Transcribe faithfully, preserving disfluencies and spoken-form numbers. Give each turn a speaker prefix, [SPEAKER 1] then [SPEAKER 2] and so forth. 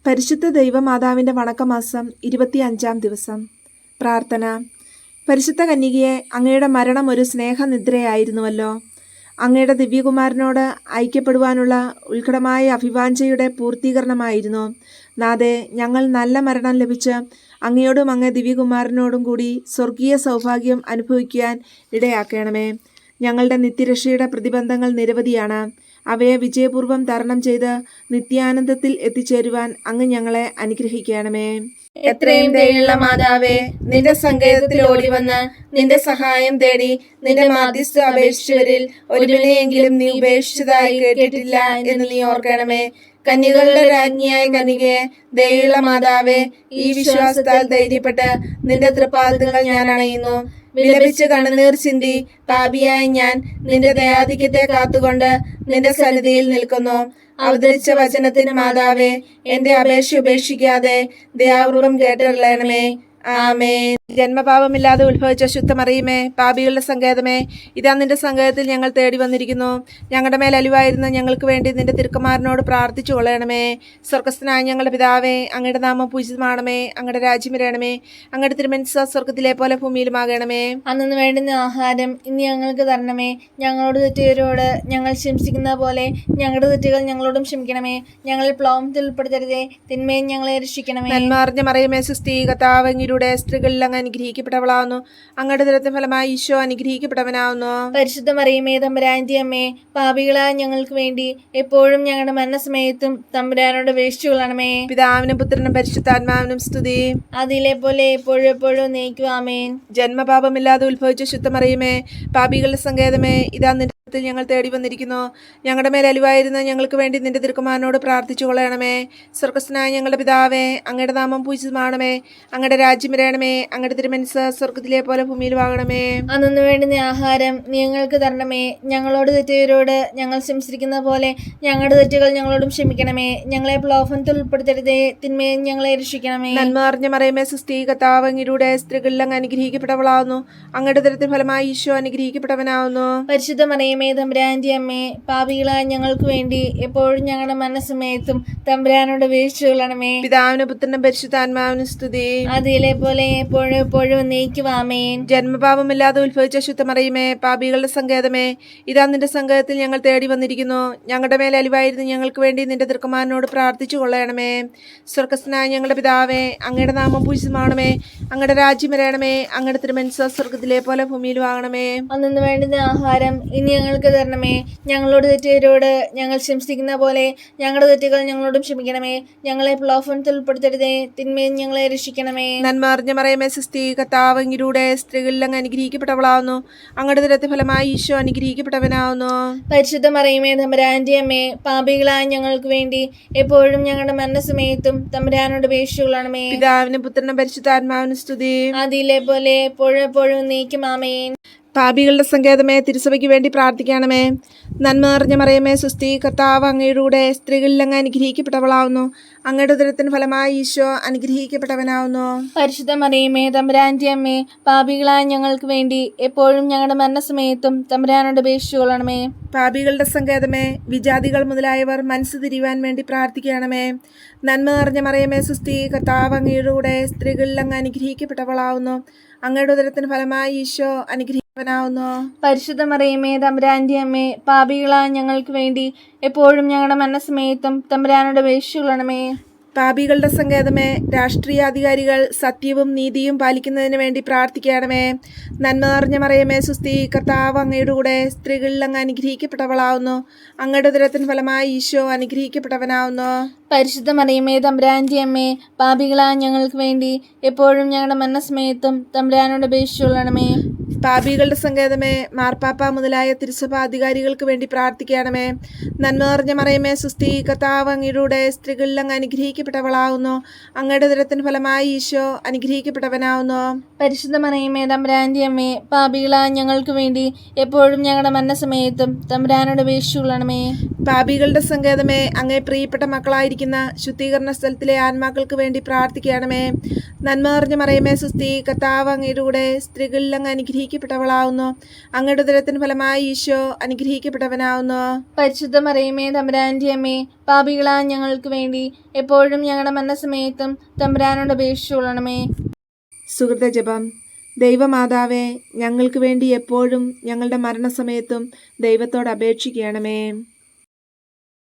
[SPEAKER 1] പരിശുദ്ധ ദൈവമാതാവിൻ്റെ വണക്കമാസം ഇരുപത്തി അഞ്ചാം ദിവസം. പ്രാർത്ഥന. പരിശുദ്ധ കന്യകയെ, അങ്ങയുടെ മരണം ഒരു സ്നേഹനിദ്രയായിരുന്നുവല്ലോ. അങ്ങയുടെ ദിവ്യകുമാരനോട് ഐക്യപ്പെടുവാനുള്ള ഉത്കടമായ അഭിവാഞ്ചയുടെ പൂർത്തീകരണമായിരുന്നു. നാഥേ, ഞങ്ങൾ നല്ല മരണം ലഭിച്ച് അങ്ങയോടും അങ്ങേ ദിവ്യകുമാരനോടും കൂടി സ്വർഗീയ സൗഭാഗ്യം അനുഭവിക്കുവാൻ ഇടയാക്കണമേ. ഞങ്ങളുടെ നിത്യരക്ഷയുടെ പ്രതിബന്ധങ്ങൾ നിരവധിയാണ്. അവയെ വിജയപൂർവ്വം തരണം ചെയ്ത് നിത്യാനന്ദത്തിൽ എത്തിച്ചേരുവാൻ അങ്ങ് ഞങ്ങളെ അനുഗ്രഹിക്കണമേ.
[SPEAKER 2] എത്രയും ദയുള്ള മാതാവേ, നിന്റെ സങ്കേതത്തിൽ ഓടി വന്ന് നിന്റെ സഹായം തേടി നിന്റെ മാധ്യസ്ഥ അപേക്ഷിച്ചവരിൽ ഒരുവിനെയെങ്കിലും നീ ഉപേക്ഷിച്ചതായി കേട്ടിട്ടില്ല എന്ന് നീ ഓർക്കണമേ. കന്യകളുടെ രാജ്ഞിയായ കന്യകയെ, ദയുള്ള മാതാവേ, ഈ വിശ്വാസത്താൽ ധൈര്യപ്പെട്ട് നിന്റെ തൃപ്പാദങ്ങൾ ഞാൻ അണയുന്നു. വിലപിച്ച് കണ്ണുനീർ ചിന്തി പാപിയായ ഞാൻ നിന്റെ ദയാധിക്യത്തെ കാത്തുകൊണ്ട് നിന്റെ സന്നിധിയിൽ നിൽക്കുന്നു. അവതരിച്ച വചനത്തിന് മാതാവേ, എന്റെ അപേക്ഷ ഉപേക്ഷിക്കാതെ ദയാപൂർവം കേട്ടറിയണമേ. ആമേൻ.
[SPEAKER 1] ജന്മപാപമില്ലാതെ ഉത്ഭവിച്ച ശുദ്ധമറിയുമേ, പാപികളുടെ സങ്കേതമേ, ഇതാ നിന്റെ സങ്കേതത്തിൽ ഞങ്ങൾ തേടി വന്നിരിക്കുന്നു. ഞങ്ങളുടെ മേൽ അലിവായിരുന്ന ഞങ്ങൾക്ക് വേണ്ടി നിന്റെ തിരുക്കുമാരനോട് പ്രാർത്ഥിച്ചു കൊള്ളണമേ. സ്വർഗസ്ഥനായ ഞങ്ങളുടെ പിതാവേ, അങ്ങയുടെ നാമം പൂജിതമാണമേ. അങ്ങയുടെ രാജ്യം വരണമേ. അങ്ങയുടെ തിരുമനസ്സ് സ്വർഗത്തിലെ പോലെ ഭൂമിയിലുമാകണമേ.
[SPEAKER 2] അന്നു വേണ്ടുന്ന ആഹാരം ഇനി ഞങ്ങൾക്ക് തരണമേ. ഞങ്ങളോട് തെറ്റിയവരോട് ഞങ്ങൾ ക്ഷമിച്ചിരിക്കുന്ന പോലെ ഞങ്ങളുടെ തെറ്റുകൾ ഞങ്ങളോടും ക്ഷമിക്കണമേ. ഞങ്ങളിൽ പ്ലോമത്തിൽ ഉൾപ്പെടുത്തരുതേ, തിന്മയും ഞങ്ങളെ രക്ഷിക്കണമേ.
[SPEAKER 1] നന്മറിഞ്ഞ മറിയമേ, സുസ്ഥി, കർത്താവ് അങ്ങയുടെ സ്ത്രീകളിൽ അങ്ങ് അനുഗ്രഹിക്കപ്പെട്ടവളാവുന്നു. അങ്ങയുടെ ദുരത്തിന് ഫലമായി ഈശോ അനുഗ്രഹിക്കപ്പെട്ടവനാവുന്നു.
[SPEAKER 2] പരിശുദ്ധ മറിയമേ, തമ്പുരാന്റെ അമ്മേ, പാപികളായ ഞങ്ങൾക്ക് വേണ്ടി എപ്പോഴും ഞങ്ങളുടെ മരണസമയത്തും തമ്പുരാനോട് അപേക്ഷിച്ചുകൊള്ളണമേ.
[SPEAKER 1] പിതാവിനും പുത്രനും പരിശുദ്ധാത്മാവിനും സ്തുതി.
[SPEAKER 2] അതിലെ പോലെ എപ്പോഴും എപ്പോഴും നയിക്കും. ആമേൻ.
[SPEAKER 1] ജന്മപാപമില്ലാതെ ഉത്ഭവിച്ച ശുദ്ധമറിയമേ, പാപികളുടെ സങ്കേതമേ, ഇതാ നിന്റെ ഞങ്ങൾ തേടി വന്നിരിക്കുന്നു. ഞങ്ങളുടെ മേൽ അലിവായിരുന്ന ഞങ്ങൾക്ക് വേണ്ടി നിന്റെ തിരുക്കുമാരനോട് പ്രാർത്ഥിച്ചു കൊള്ളണമേ. സ്വർഗസ്ഥനായ ഞങ്ങളുടെ പിതാവേ, അങ്ങയുടെ നാമം പൂജിതമാണമേ. അങ്ങയുടെ രാജ്യം വരണമേ. അങ്ങയുടെ തിരുമനസ്സ് സ്വർഗത്തിലെ പോലെ ഭൂമിയിലുമാകണമേ.
[SPEAKER 2] അന്നു വേണ്ടുന്ന ആഹാരം നീ ഞങ്ങൾക്ക് തരണമേ. ഞങ്ങളോട് തെറ്റിയവരോട് ഞങ്ങൾ ക്ഷമിച്ചിരിക്കുന്ന പോലെ ഞങ്ങളുടെ തെറ്റുകൾ ഞങ്ങളോടും ക്ഷമിക്കണമേ. ഞങ്ങളെ പ്രലോഭനത്തിൽ ഉൾപ്പെടുത്തരുതേ, തിന്മയും ഞങ്ങളെ രക്ഷിക്കണമേ.
[SPEAKER 1] നന്മറിഞ്ഞ മറിയമേ, സുസ്ഥി, കർത്താവ് അങ്ങയുടെ സ്ത്രീകളിൽ അങ്ങ് അനുഗ്രഹിക്കപ്പെട്ടവളാവുന്നു. അങ്ങയുടെ ദുരത്തിന് ഫലമായി ഈശോ അനുഗ്രഹിക്കപ്പെട്ടവനാവുന്നു.
[SPEAKER 2] പരിശുദ്ധ മറിയമേ, തമ്പുരാന്റെ അമ്മേ, പാപികളായ ഞങ്ങൾക്ക് വേണ്ടി എപ്പോഴും ഞങ്ങളുടെ മനസ്സമയത്തും തമ്പുരാനോട് അപേക്ഷിച്ചു കൊള്ളണമേ.
[SPEAKER 1] പിതാവിനും പുത്രനും പരിശുദ്ധാത്മാവിനും സ്തുതി.
[SPEAKER 2] അതിലെ പോലെ എപ്പോഴും എപ്പോഴും നയിക്കും. ആമേൻ.
[SPEAKER 1] ജന്മപാപമില്ലാതെ ഉത്ഭവിച്ച ശുദ്ധമറിയമേ, പാപികളുടെ സങ്കേതമേ, ഇതാ നിന്റെ സങ്കേതത്തിൽ ഞങ്ങൾ തേടി വന്നിരിക്കുന്നു. ഞങ്ങളുടെ മേൽ അലിവായിരുന്നു ഞങ്ങൾക്ക് വേണ്ടി നിന്റെ തിരുക്കുമാരനോട് പ്രാർത്ഥിച്ചു കൊള്ളണമേ. സ്വർഗസ്ഥനായ ഞങ്ങളുടെ പിതാവേ, അങ്ങയുടെ നാമം പൂജിതമാണമേ. അങ്ങയുടെ രാജ്യം വരണമേ. അങ്ങയുടെ തിരുമനസ്സ് സ്വർഗത്തിലെ പോലെ ഭൂമിയിലും ആകണമേ.
[SPEAKER 2] അന്നു വേണ്ടുന്ന ആഹാരം ഇനി ഞങ്ങൾക്ക് തരണമേ. ഞങ്ങളോട് തെറ്റിയവരോട് ഞങ്ങൾ ക്ഷമിച്ചിരിക്കുന്ന പോലെ ഞങ്ങളുടെ തെറ്റുകൾ ഞങ്ങളോടും ക്ഷമിക്കണമേ. ഞങ്ങളെ പ്രലോഭനത്തിൽ ഉൾപ്പെടുത്തരുതേ, തിന്മയും ഞങ്ങളെ രക്ഷിക്കണമേ.
[SPEAKER 1] നന്മറിഞ്ഞ മറിയമേ, സുസ്ഥി, കർത്താവ് അങ്ങയുടെ സ്ത്രീകളിൽ അങ്ങ് അനുഗ്രഹിക്കപ്പെട്ടവളാവുന്നു. അങ്ങയുടെ ദുരത്തിന് ഫലമായി ഈശോ അനുഗ്രഹിക്കപ്പെട്ടവനാവുന്നു.
[SPEAKER 2] പരിശുദ്ധ മറിയമേ, തമ്പുരാന്റെ അമ്മേ, പാപികളായ ഞങ്ങൾക്ക് വേണ്ടി എപ്പോഴും ഞങ്ങളുടെ മരണസമയത്തും തമ്പുരാനോട് അപേക്ഷിച്ചു കൊള്ളണമേ.
[SPEAKER 1] പിതാവിനും പുത്രനും പരിശുദ്ധാത്മാവിനും സ്തുതി.
[SPEAKER 2] അതിലെ പോലെ എപ്പോഴും എപ്പോഴും നയിക്കും. ആമേൻ.
[SPEAKER 1] പാപികളുടെ സങ്കേതമേ, തിരുസഭയ്ക്ക് വേണ്ടി പ്രാർത്ഥിക്കണമേ. നന്മ നിറഞ്ഞ മറിയമേ, സുസ്ഥി, കർത്താവ് അങ്ങയുടെ സ്ത്രീകളിൽ അങ്ങ് അനുഗ്രഹിക്കപ്പെട്ടവളാവുന്നു. അങ്ങയുടെ ഉദരത്തിന് ഫലമായി ഈശോ അനുഗ്രഹിക്കപ്പെട്ടവനാവുന്നു.
[SPEAKER 2] പരിശുദ്ധ മറിയമേ, തമ്പുരാന്റെ അമ്മേ, പാപികളായ ഞങ്ങൾക്ക് വേണ്ടി എപ്പോഴും ഞങ്ങളുടെ മരണസമയത്തും തമ്പുരാനോട് അപേക്ഷിച്ചു കൊള്ളണമേ.
[SPEAKER 1] പാപികളുടെ സങ്കേതമേ, വിജാതികൾ മുതലായവർ മനസ്സ് തിരിയുവാൻ വേണ്ടി പ്രാർത്ഥിക്കണമേ. നന്മ നിറഞ്ഞ മറിയമേ, സുസ്ഥി, കർത്താവ് അങ്ങയുടെ സ്ത്രീകളിൽ അങ്ങ് അനുഗ്രഹിക്കപ്പെട്ടവളാവുന്നു. അങ്ങയുടെ ഉദരത്തിന് ഫലമായി ഈശോ അനുഗ്രഹിക്കവനാവുന്നു.
[SPEAKER 2] പരിശുദ്ധ മറിയമേ, തമ്പുരാന്റെ അമ്മേ, പാപികളായ ഞങ്ങൾക്ക് വേണ്ടി എപ്പോഴും ഞങ്ങളുടെ മരണസമയത്തും തമ്പുരാനോട് അപേക്ഷിച്ചു കൊള്ളണമേ.
[SPEAKER 1] പാപികളുടെ സങ്കേതമേ, രാഷ്ട്രീയാധികാരികൾ സത്യവും നീതിയും പാലിക്കുന്നതിന് വേണ്ടി പ്രാർത്ഥിക്കണമേ. നന്മ നിറഞ്ഞ മറിയമേ, സുസ്ഥി, കർത്താവ് അങ്ങയുടെ കൂടെ സ്ത്രീകളിൽ അങ്ങ് അനുഗ്രഹിക്കപ്പെട്ടവളാവുന്നു. അങ്ങയുടെ ഉദരത്തിന് ഫലമായി ഈശോ അനുഗ്രഹിക്കപ്പെട്ടവനാവുന്നു.
[SPEAKER 2] പരിശുദ്ധ മറിയമേ, തമ്പുരാന്റെ അമ്മേ, പാപികളായ ഞങ്ങൾക്ക് വേണ്ടി എപ്പോഴും ഞങ്ങളുടെ മരണസമയത്തും തമ്പുരാനോട് അപേക്ഷിച്ചു കൊള്ളണമേ.
[SPEAKER 1] പാപികളുടെ സങ്കേതമേ, മാർപ്പാപ്പ മുതലായ തിരുസഭ അധികാരികൾക്ക് വേണ്ടി പ്രാർത്ഥിക്കണമേ. നന്മ നിറഞ്ഞ മറിയമേ, സുസ്ഥി, കർത്താവ് അങ്ങയുടെ സ്ത്രീകളിൽ അങ്ങ് അനുഗ്രഹിക്കപ്പെട്ടവളാവുന്നു. അങ്ങയുടെ ഉദരത്തിന് ഫലമായി ഈശോ അനുഗ്രഹിക്കപ്പെട്ടവനാവുന്നു.
[SPEAKER 2] പരിശുദ്ധ മറിയമേ, തമ്പുരാന്റെ അമ്മേ, പാപികളായ ഞങ്ങൾക്ക് വേണ്ടി എപ്പോഴും ഞങ്ങളുടെ മരണസമയത്തും തമ്പുരാനോട് അപേക്ഷിച്ചു കൊള്ളണമേ.
[SPEAKER 1] പാപികളുടെ സങ്കേതമേ, അങ്ങേ പ്രിയപ്പെട്ട മക്കളായിരിക്കുന്ന ശുദ്ധീകരണ സ്ഥലത്തിലെ ആത്മാക്കൾക്ക് വേണ്ടി പ്രാർത്ഥിക്കണമേ. നന്മ നിറഞ്ഞ മറിയമേ, സുസ്ഥി, കർത്താവ് അങ്ങയുടെ സ്ത്രീകളിൽ അങ്ങ് അനുഗ്രഹിക്കപ്പെട്ടവളാവുന്നു. അനുഗ്രഹിക്കപ്പെട്ടവളാവുന്നു. അങ്ങയുടെ ഉദരത്തിന് ഫലമായി ഈശോ അനുഗ്രഹിക്കപ്പെട്ടവനാവുന്നു.
[SPEAKER 2] പരിശുദ്ധ മറിയമേ തമ്പുരാന്റെ അമ്മേ, പാപികളാ ഞങ്ങൾക്ക് വേണ്ടി എപ്പോഴും ഞങ്ങളുടെ മരണസമയത്തും തമ്പുരാനോട് അപേക്ഷിച്ചുകൊള്ളണമേ.
[SPEAKER 1] സുഹൃത ജപം. ദൈവമാതാവേ, ഞങ്ങൾക്ക് വേണ്ടി എപ്പോഴും ഞങ്ങളുടെ മരണസമയത്തും ദൈവത്തോട് അപേക്ഷിക്കണമേ.